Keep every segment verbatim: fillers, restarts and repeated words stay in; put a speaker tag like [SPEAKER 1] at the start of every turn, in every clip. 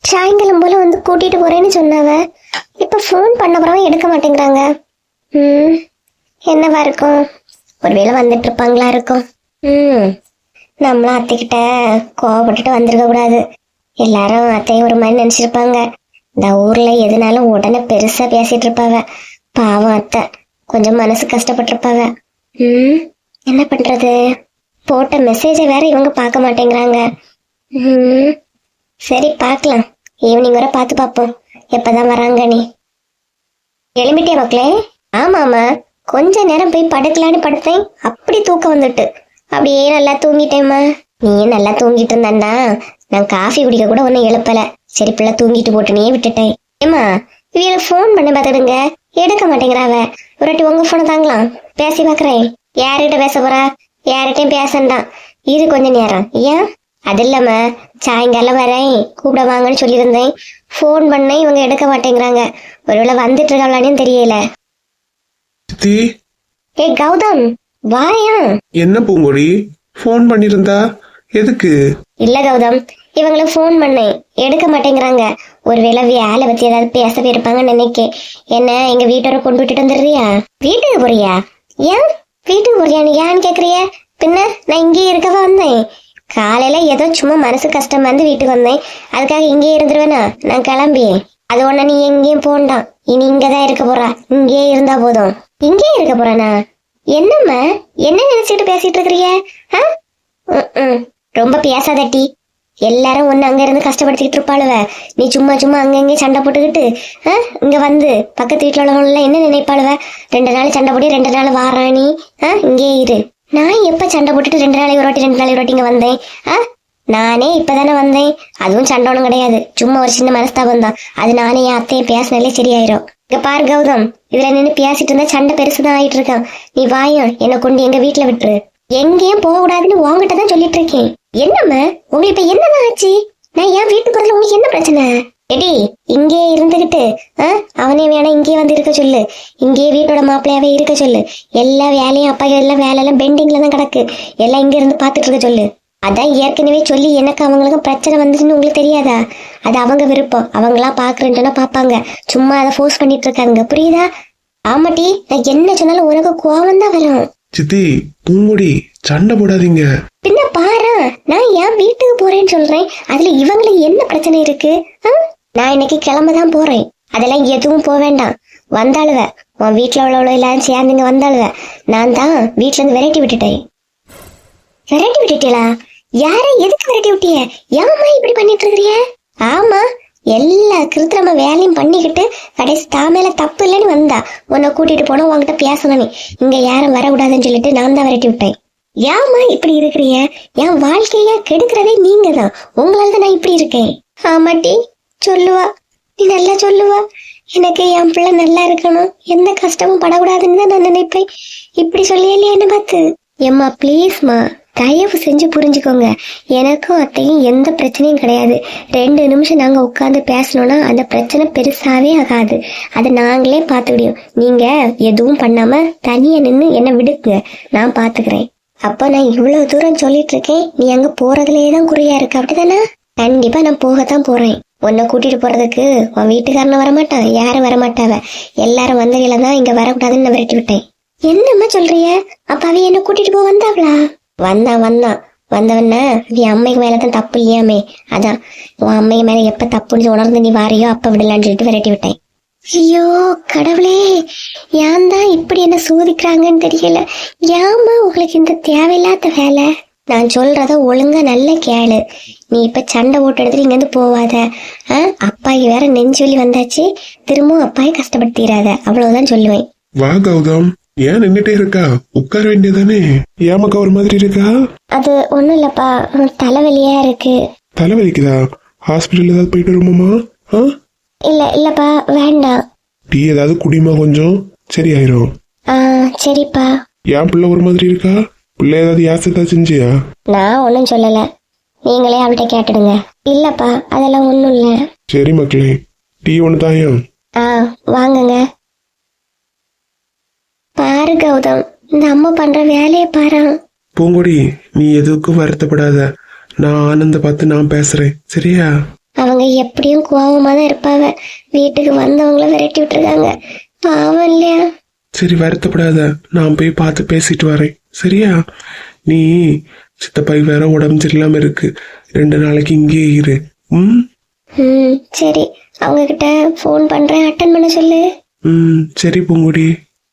[SPEAKER 1] சாயங்காலம் போல வந்து கூட்டிட்டு போறேன்னு சொன்னாவ. இப்ப ஃபோன் பண்ண பிறகு எடுக்க மாட்டேங்கிறாங்க. ம் என்னவா இருக்கும்? ஒருவேளை வந்துட்டு இருப்பாங்களா இருக்கும். ம் நம்மளும் அத்தைக்கிட்ட கோவப்பட்டுட்டு வந்திருக்க கூடாது. எல்லாரும் அத்தையும் ஒரு மாதிரி நினைச்சிருப்பாங்க. இந்த ஊர்ல எதுனாலும் உடனே பெருசா பேசிட்டு இருப்பாவ. பாவம் அத்தை கொஞ்சம் மனசு கஷ்டப்பட்டிருப்பாவ. ம் என்ன பண்றது? போட்ட மெசேஜை வேற இவங்க பார்க்க மாட்டேங்கிறாங்க. ம் சரி பார்க்கலாம், ஈவினிங் வரை பார்த்து பார்ப்போம் எப்பதான் வராங்க. நீ எழும்பிட்டே மக்களே? ஆமாமா, கொஞ்ச நேரம் போய் படுக்கலான்னு படுத்தேன், அப்படி தூக்கம் வந்துட்டு அப்படியே நல்லா தூங்கிட்டேம்மா. நீ நல்லா தூங்கிட்டு இருந்தாண்டா, நான் காஃபி குடிக்க கூட ஒன்னும் எழுப்பல. சரி பிள்ளை தூங்கிட்டு போட்டுனே விட்டுட்டேன். ஏமா இவங்களுக்கு போன் பண்ண பார்த்துடுங்க, எடுக்க மாட்டேங்கிறாவ. ஒரு வாட்டி உங்க போனை தாங்களாம், பேசி பாக்குறேன். யார்கிட்ட பேச போறா? யார்கிட்டையும் பேசண்டாம், இது கொஞ்ச நேரம். ஏன் அது இல்லாம சாயங்காலம் வரேன் கூப்பிட வாங்கன்னு சொல்லியிருந்தேன். போன் பண்ணேன், இவங்க எடுக்க மாட்டேங்கிறாங்க. ஒருவேளை வந்துட்டு இருக்காங்களான்னு தெரியல. ஏ கௌதம் வாயா.
[SPEAKER 2] என்ன பூங்கொடி போன் பண்ணிருந்தா? எதுக்கு?
[SPEAKER 1] இல்ல கௌதம், இவங்களுக்கு போன் பண்ணேன், எடுக்க மாட்டேங்கிறாங்க. ஒருவேளை வேலை பத்தி ஏதாவது பேச போயிருப்பாங்கன்னு நினைக்கேன். என்ன எங்க வீட்டோட கொண்டு விட்டுட்டு வந்துடுறியா? வீட்டுக்கு போறியா? ஏன் வீட்டுக்கு போறியான்னு ஏன்னு கேக்குறிய? பின்ன நான் இங்கேயே இருக்கவா வந்தேன். காலையில ஏதோ சும்மா மனசு கஷ்டமா இருந்து வீட்டுக்கு வந்தேன், அதுக்காக இங்கேயே இருந்துருவேனா? நான் கிளம்பி அது ஒண்ணு நீ எங்கேயும் போண்டாம், இனி இங்கதான் இருக்க போறா. இங்கேயே இருந்தா போதும். இங்கேயே இருக்க போறானா? என்னம்மா என்ன நினைச்சிட்டு பேசிட்டு இருக்கிறிய? ரொம்ப பேசாதட்டி. எல்லாரும் ஒன்னு அங்க இருந்து கஷ்டப்படுத்திக்கிட்டு இருப்பாளுவ. நீ சும்மா சும்மா அங்கங்கே சண்டை போட்டுக்கிட்டு இங்க வந்து பக்கத்து வீட்டுல உள்ளவங்க என்ன நினைப்பாளுவ? ரெண்டு நாள் சண்டை போட்டு ரெண்டு நாள் வாராணி. ஆஹ் இங்கே இரு. நான் எப்ப சண்டை போட்டுட்டு ரெண்டு நாளைக்கு ஒரு வாட்டி ரெண்டு நாளைக்கு ஒரு வாட்டி இங்க வந்தேன்? ஆஹ் நானே இப்பதானே வந்தேன், அதுவும் சண்டை ஒண்ணும் கிடையாது, சும்மா ஒரு சின்ன மனஸ்தாபம் தான். அது நானே என் அத்தையும் பேசினாலே சரியாயிரும். இங்க பாரு கௌதம், இதுல நின்று பேசிட்டு இருந்தா சண்டை பெருசுதான் ஆயிட்டு இருக்கான். நீ வாயம் என்னை கொண்டு எங்க வீட்டுல விட்டுரு. எங்கேயும் போக கூடாதுன்னு உங்ககிட்ட தான் சொல்லிட்டு இருக்கேன். என்னம்மா உங்களுக்கு இப்ப என்னதான் ஆச்சு? நான் என் வீட்டுக்கு போறதுல உங்களுக்கு என்ன பிரச்சனை? எடி இங்கே இருந்துகிட்டு ஆஹ் அவனே வேணா இங்கே வந்து இருக்க சொல்லு. இங்கே வீட்டோட மாப்பிள்ளையாவே இருக்க சொல்லு. எல்லா வேலையும் அப்பா எல்லாம் வேலை எல்லாம் பெண்டிங்ல தான் கிடக்கு, எல்லாம் இங்க இருந்து பாத்துட்டு இருக்க சொல்லு. அதான் ஏற்கனவே சொல்லி எனக்கு அவங்களுக்கும் பிரச்சனை வந்துச்சுன்னு உங்களுக்கு தெரியாதா? அது அவங்க விருப்பம், அவங்களா பாக்குறேன்ட்டுனா பாப்பாங்க, சும்மா அதை ஃபோர்ஸ் பண்ணிட்டு இருக்காங்க, புரியுதா? ஆமாட்டி, நான் என்ன சொன்னாலும் உனக்கு கோவம் தான் வரும்.
[SPEAKER 2] சித்தி பூங்கொடி சண்டை போடாதீங்க.
[SPEAKER 1] பின்ன பாரு, நான் என் வீட்டுக்கு போறேன்னு சொல்றேன், அதுல இவங்களுக்கு என்ன பிரச்சனை இருக்கு? நான் இன்னைக்கு கிளம்பதான் போறேன், அதெல்லாம் எதுவும் போக வேண்டாம். வந்தாளுவ உன் வீட்டுல உள்ளவளோ எல்லாரும் சேர்ந்துங்க வந்தாளுவ. நான் தான் வீட்டுல இருந்து விரட்டி விட்டுட்டேன். விரட்டி விட்டுட்டீங்களா? யார எதுக்கு விரட்டி விட்டிய? ஏமா இப்படி பண்ணிட்டு இருக்கிறிய? ஆமா, எல்லா கிருத்திரம வேலையும் பண்ணிக்கிட்டு கடைசி தாமேல தப்பு இல்லைன்னு வந்தா உன்னை கூட்டிட்டு போனா உங்ககிட்ட பேசணும். இங்க யாரும் வரக்கூடாதுன்னு சொல்லிட்டு நான் தான் விரட்டி விட்டேன். ஏமா இப்படி இருக்கிறிய? என் வாழ்க்கைய கெடுக்கிறதே நீங்க தான், உங்களால தான் நான் இப்படி இருக்கேன். ஆமாட்டி சொல்லுவா, நீ நல்லா சொல்லுவா. எனக்கு என் பிள்ளை நல்லா இருக்கணும், எந்த கஷ்டமும் படக்கூடாதுன்னு தான் நான் நினைப்பேன். இப்படி சொல்லியலையா என்ன பார்த்து? எம்மா ப்ளீஸ்மா, தயவு செஞ்சு புரிஞ்சுக்கோங்க. எனக்கும் அத்தையும் எந்த பிரச்சனையும் கிடையாது. ரெண்டு நிமிஷம் நாங்க உட்காந்து பேசணும்னா அந்த பிரச்சனை பெருசாவே ஆகாது, அதை நாங்களே பார்த்துக்கிடியோம். நீங்க எதுவும் பண்ணாம தனியா நின்று என்ன விடுங்க, நான் பாத்துக்கிறேன். அப்ப நான் இவ்வளவு தூரம் சொல்லிட்டு இருக்கேன், நீ அங்க போறதுலயே தான் குறியா இருக்கு, அப்படிதானே? கண்டிப்பா நான் போகத்தான் போறேன். உன்னை கூட்டிட்டு போறதுக்கு உன் வீட்டுக்காரன வரமாட்டான், யாரும் வரமாட்டாவ. எல்லாரும் வந்தவையில தான் இங்க வரக்கூடாதுன்னு நான் விரட்டி விட்டேன். என்னம்மா சொல்றிய? அப்ப அவ என்ன கூட்டிட்டு போக வந்தாவளா? வந்தான் வந்தான் வந்தவன நீ அம்மைக்கு மேலதான் தப்பு இல்லையாமே, அதான் உன் அம்மைக்கு மேல எப்ப தப்புன்னு உணர்ந்து நீ வாரியோ அப்ப விடலான்னு சொல்லிட்டு விரட்டி விட்டேன். ஐயோ கடவுளே, ஏன் தான் இப்படி என்ன சோதிக்கிறாங்கன்னு தெரியல. ஏமா உங்களுக்கு இந்த தேவையில்லாத வேலை? நான் சொல்றத ஒழுங்கா நல்ல கேளு. நீ இப்ப சண்டை போட்டு எடுத்துட்டு இங்க இருந்து போவாத. ஆஹ் அப்பாய்க்கு வேற நெஞ்சொல்லி வந்தாச்சு, திரும்பவும் அப்பாயை கஷ்டப்படுத்திடாத, அவ்வளவுதான் சொல்லுவேன்.
[SPEAKER 2] வா கௌதம், ஏன் நின்னுட்டே இருக்கா? உட்கார வேண்டியதானே? ஏமாக்கா ஒரு மாதிரி இருக்கா?
[SPEAKER 1] அது ஒண்ணும் இல்லப்பா, தலைவலியா இருக்கு.
[SPEAKER 2] தலைவலிக்குதா? ஹாஸ்பிட்டல் ஏதாவது போயிட்டு வருமாமா?
[SPEAKER 1] இல்ல இல்லப்பா வேண்டாம்.
[SPEAKER 2] டீ ஏதாவது குடிமா, கொஞ்சம் சரியாயிரும்.
[SPEAKER 1] ஆஹ் சரிப்பா.
[SPEAKER 2] என் பிள்ளை ஒரு மாதிரி இருக்கா? பிள்ளை ஏதாவது யாசத்தா செஞ்சியா?
[SPEAKER 1] நான் ஒன்னும் சொல்லல, நீங்களே அவள்கிட்ட கேட்டுடுங்க. இல்லப்பா அதெல்லாம் ஒண்ணும் இல்ல.
[SPEAKER 2] சரி மக்களே, டீ ஒண்ணு தாயா?
[SPEAKER 1] ஆஹ் வாங்குங்க. பாரு கௌதம், இந்த அம்மா பண்ற வேலையை பாரு.
[SPEAKER 2] பூங்கொடி, நீ எதுக்கும் வருத்தப்படாத, நான் ஆனந்த பார்த்து நான் பேசுறேன், சரியா?
[SPEAKER 1] ஆ அவங்க எப்படியும் கோவமா தான் இருப்பாங்க. வீட்டுக்கு வந்தவங்கள விரட்டி விட்டுருக்காங்க. பாவம் இல்லையா?
[SPEAKER 2] சரி வருத்தப்படாத, நான் போய் பார்த்து பேசிட்டு வரேன் சரியா? நீ சித்தப்பாய்க்கு வேற உடம்பு சரியில்லாம இருக்கு, ரெண்டு நாளைக்கு இங்கேயே இரு. ம்
[SPEAKER 1] ம் சரி, அவங்க கிட்ட ஃபோன் பண்றேன், அட்டன் பண்ண சொல்லு.
[SPEAKER 2] ம் சரி பூங்குடி.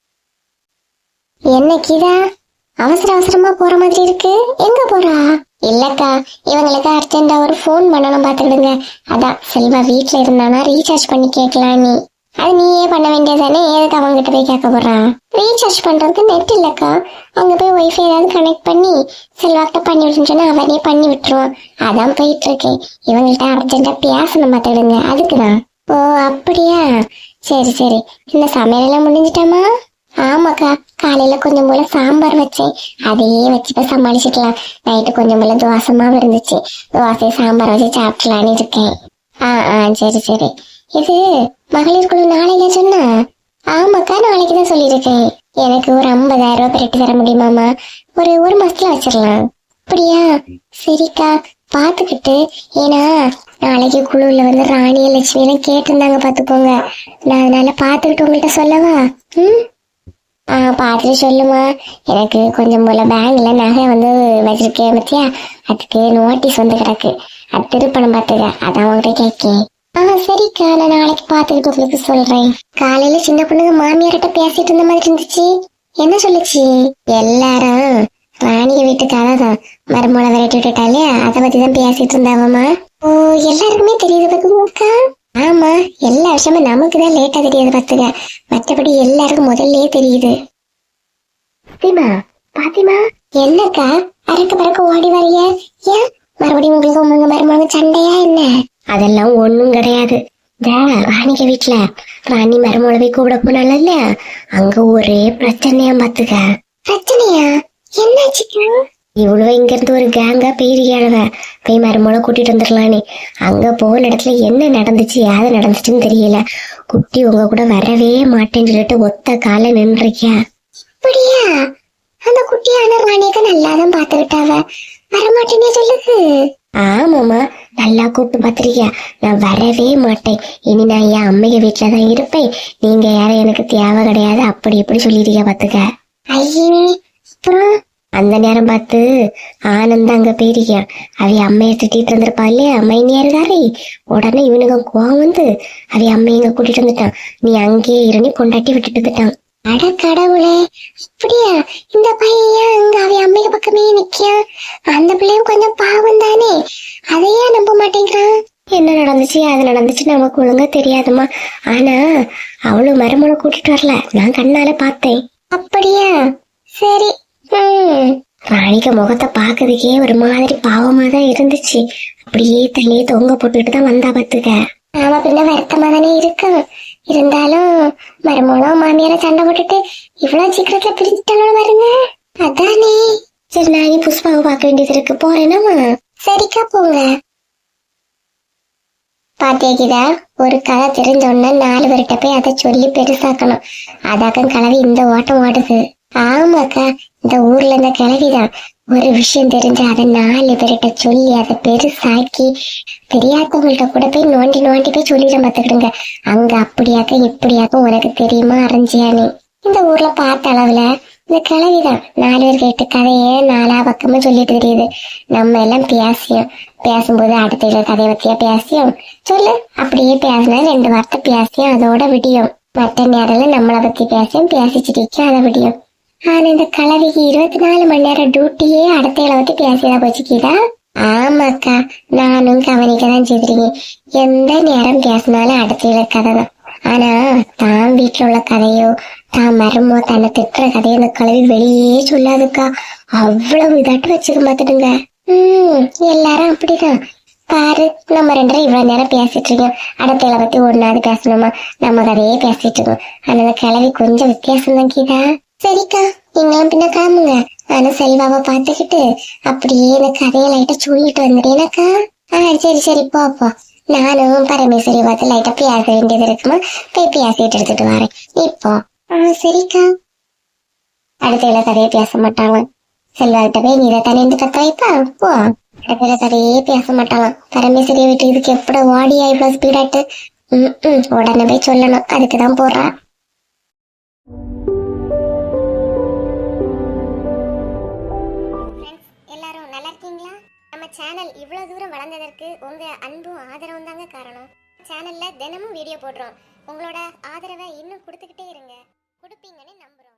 [SPEAKER 1] என்ன கீதா அவசர அவசரமா போற மாதிரி இருக்கு? எங்க போறா? இல்லக்கா, இவங்களுக்கு அர்ஜென்டா ஒரு ஃபோன் பண்ணணும் பாத்துக்கிடுங்க. அதான் செல்வா வீட்டுல இருந்தானா ரீசார்ஜ் பண்ணி கேட்கலாம். நீ அது நீயே பண்ண வேண்டியதானே, எதுக்கு அவங்க கிட்ட போய் கேட்க போறா? ரீசார்ஜ் பண்றதுக்கு நெட் இல்லக்கா, அங்க போய் ஒய்ஃபை ஏதாவது கனெக்ட் பண்ணி செல்வாக்கிட்ட பண்ணி விட்டுன்னு சொன்னா அவனே பண்ணி விட்டுருவான். அதான் போயிட்டு இருக்கேன். இவங்கள்ட்ட அர்ஜென்டா பேசணும் பாத்துக்கிடுங்க, அதுக்குதான். ஓ அப்படியா, சரி சரி. இந்த சமையலெல்லாம் முடிஞ்சிட்டாமா? ஆமாக்கா, காலையில கொஞ்சம் போல சாம்பார் வச்சேன், அதையே வச்சுட்டு சமாளிச்சுக்கலாம். நைட்டு கொஞ்சம் போல தோசை மாவு இருந்துச்சு, தோசை சாம்பார் வச்சு சாப்பிடலான்னு இருக்கேன். ஆ ஆ சரி சரி. இது மகளிர் குழு நாளையில சொன்னா? ஆமாக்கா, நாளைக்குதான் சொல்லியிருக்கேன். எனக்கு ஒரு ஐம்பதாயிரம் ரூபாய் பெருட்டு தர முடியுமாமா? ஒரு ஒரு மாசத்துல வச்சிடலாம். அப்படியா, சரிக்கா பாத்துக்கிட்டு. ஏன்னா நாளைக்கு குழுல வந்து ராணிய லட்சுமி எல்லாம் கேட்டிருந்தாங்க பாத்துக்கோங்க. நான் அதனால பாத்துக்கிட்டு உங்கள்கிட்ட சொல்லவா? ம் ஆ பார்த்துட்டு சொல்லுமா. எனக்கு கொஞ்சம் போல பேங்க்ல நகை வந்து வச்சிருக்கேன் பத்தியா, அதுக்கு நோட்டீஸ் வந்து கிடக்கு, அது திருப்பணம் பார்த்துக்க, அதான் உங்கள்கிட்ட கேட்கேன். ஆ சரிக்கா, நான் நாளைக்கு பார்த்துக்கிட்டு உங்களுக்கு சொல்றேன். காலையில சின்ன பொண்ணுங்க மாமியார்கிட்ட பேசிட்டு இருந்த மாதிரி இருந்துச்சு, என்ன சொல்லுச்சு? எல்லாரும் ராணிய வீட்டுக்காக தான் மருமலை விரட்டி விட்டுட்டாலே, அதை பத்தி தான் பேசிட்டு இருந்தாவம்மா. ஓ எல்லாருக்குமே தெரியுது பாத்துக்கா. ஆமா, எல்லா விஷயமும் நமக்குதான் லேட்டா தெரியாது பாத்துக்க, மற்றபடி எல்லாருக்கும் முதல்லயே தெரியுது. பாத்திமா பாத்திமா என்னக்கா அறக்க பறக்க ஓடி வரைய? ஏன் மறுபடியும் உங்களுக்கு உங்க மருமக சண்டையா என்ன? அதெல்லாம் ஒண்ணும் கிடையாது. ராணிக வீட்டுல ராணி மருமகளை கூப்பிட போனால இல்லையா, அங்க ஒரே பிரச்சனையா பாத்துக்க. பிரச்சனையா? என்னாச்சுக்கா? இவ்வளவு இங்க இருந்து ஒரு கேங்கா போயிருக்காளவ, போய் மருமகளை கூட்டிட்டு வந்துடலானே. அங்க போன இடத்துல என்ன நடந்துச்சு யாரு நடந்துச்சுன்னு தெரியல. குட்டி உங்க கூட வரவே மாட்டேன்னு சொல்லிட்டு ஒத்த கால நின்றுக்கியா. அப்படியா? அந்த குட்டியான ராணியக்க நல்லாதான் பாத்துக்கிட்டாவ, வரமாட்டேன்னே சொல்லுது. ஆமாமா, நல்லா கூப்பிட்டு பாத்திருக்கியா? நான் வரவே மாட்டேன், இனி நான் என் அம்மைய வீட்டுலதான் இருப்பேன், நீங்க யாரும் எனக்கு தேவை கிடையாது, அப்படி இப்படி சொல்லிருக்கியா பாத்துக்க. ஐயே, அப்புறம் அந்த நேரம் பார்த்து ஆனந்த் அங்க போயிருக்கியா, அவ அம்மைய திட்டிட்டு இருந்திருப்பா இல்லையா மைனியாருதாரே. உடனே இவனுங்க கோவம் வந்து அவ அம்மைய இங்க கூட்டிட்டு வந்துட்டான். நீ அங்கேயே இருந்து கொண்டாட்டி விட்டுட்டு வந்துட்டான். அட கடவுளே, அப்படியா? இந்த பையன் அங்க அவ அம்மைய பக்கமே நிக்கியா? அந்த பிள்ளையும் கொஞ்சம் பாவம் தானே, அதையே நம்ப மாட்டேங்கிறான். என்ன நடந்துச்சு அது நடந்துச்சு நமக்கு ஒழுங்கா தெரியாதுமா. ஆனா அவளும் மருமகளை கூட்டிட்டு வரல, நான் கண்ணால பார்த்தேன். அப்படியா? சரி. ஹம் ராணிக்க முகத்தை பாக்குறதுக்கே ஒரு மாதிரி பாவமா தான் இருந்துச்சு. அப்படியே தலையே தொங்க போட்டுட்டு தான் வந்தா பாத்துக்க. ஆமா, பின்ன வருத்தமா தானே இருக்கும். இருந்தாலும் மருமகளும் மாமியார சண்டை போட்டுட்டு இவ்வளவு சீக்கிரத்துல பிரிஞ்சுட்டாலும் வருங்க, அதானே. சரி, நான் புஷ்பாவை பார்க்க வேண்டியது இருக்கு, போறேனாமா? சரிக்கா, போங்க. பாத்தியா, ஒரு கதை தெரிஞ்சோன்னா நாலு பேர்கிட்ட போய் அதை சொல்லி பெருசாக்கணும். அதாக்கம் கிளவி இந்த ஓட்டம் ஓடுது. ஆமாக்கா, இந்த ஊர்ல இந்த கிளவிதான் ஒரு விஷயம் தெரிஞ்சு அதை நாலு பேர்கிட்ட சொல்லி அதை பெருசாக்கி தெரியாதவங்கள்ட்ட கூட போய் நோண்டி நோண்டி போய் சொல்லிட பாத்துக்கிடுங்க. அங்க அப்படியாக்க இப்படியாக்க உனக்கு தெரியுமா அரைஞ்சியானே. இந்த ஊர்ல பார்த்த அளவுல இந்த கிளவிதான் நாலு பேர் கேட்டு கதையே நாலா பக்கமா சொல்லிட்டு தெரியுது. நம்ம எல்லாம் பேசியும் பேசும்போது அடுத்த கதையை பத்தியா பேசியும் சொல்லு, அப்படியே பேசினா ரெண்டு வார்த்தை பேசியும் அதோட விடியும். மற்ற நேரம் நம்மளை பத்தி பேசியும் பேசிச்சிட்டு அதை விடியும். ஆனா இந்த கலவிக்கு இருபத்தி நாலு மணி நேரம் டியூட்டியே அடுத்த பத்தி பேசியதா போச்சுக்கிதா. ஆமாக்கா, நானும் கவனிக்கதான் செய்திருக்கேன். எந்த நேரம் பேசினாலும் அடுத்த கதை தான். ஆனா தான் வீட்டுல உள்ள கதையோ தான் மரமோ தன்னை திட்டுற கதையோ இந்த கலவி வெளியே சொல்லாதுக்கா. அவ்வளவு இதாட்டு வச்சுக்க மாத்துடுங்க. உம் எல்லாரும் அப்படிதான் பாரு. நம்ம ரெண்டரை இவ்வளவு நேரம் பேசிட்டு இருக்கோம், அடுத்த பத்தி ஒன்னாவது பேசணுமா, நம்ம கதையே பேசிட்டு இருக்கோம். ஆனா இந்த கிளவி கொஞ்சம் வித்தியாசம் தான் கீதா. சரிக்கா, நீங்களும் பின்ன காமுங்க, ஆனா செல்வாவை பாத்துக்கிட்டு அப்படியே இந்த கதையை லைட்டா சொல்லிட்டு வந்துடுறேனாக்கா. ஆஹ் சரி சரி, போப்போ. நானும் பரமேஸ்வரி பார்த்து லைட்டா பேச வேண்டியது இருக்குமா, போய் பேசிட்டு எடுத்துட்டு வரேன் இப்போ. ஆஹ் சரிக்கா. அடுத்த கதையை பேச மாட்டாங்க. செல்வாகிட்ட போய் நீ தானே இருந்து கத்த வைப்பா, போ. அதுல கதையே பேச மாட்டாளாம். பரமேஸ்வரிய வீட்டு இதுக்கு எப்பட வாடியா இவ்வளவு ஸ்பீடாட்டு. ம் ம் உடனே போய் சொல்லணும். அதுக்குதான் போறா. எல்லாரும் நல்லா இருக்கீங்களா? நம்ம சேனல் இவ்வளவு தூரம் வளர்ந்ததற்கு உங்க அன்பும் ஆதரவும் தாங்க காரணம். சேனல்ல தினமும் வீடியோ போடுறோம். உங்களோட ஆதரவை இன்னும் கொடுத்துக்கிட்டே இருங்க. கொடுப்பீங்கன்னு நம்புறோம்.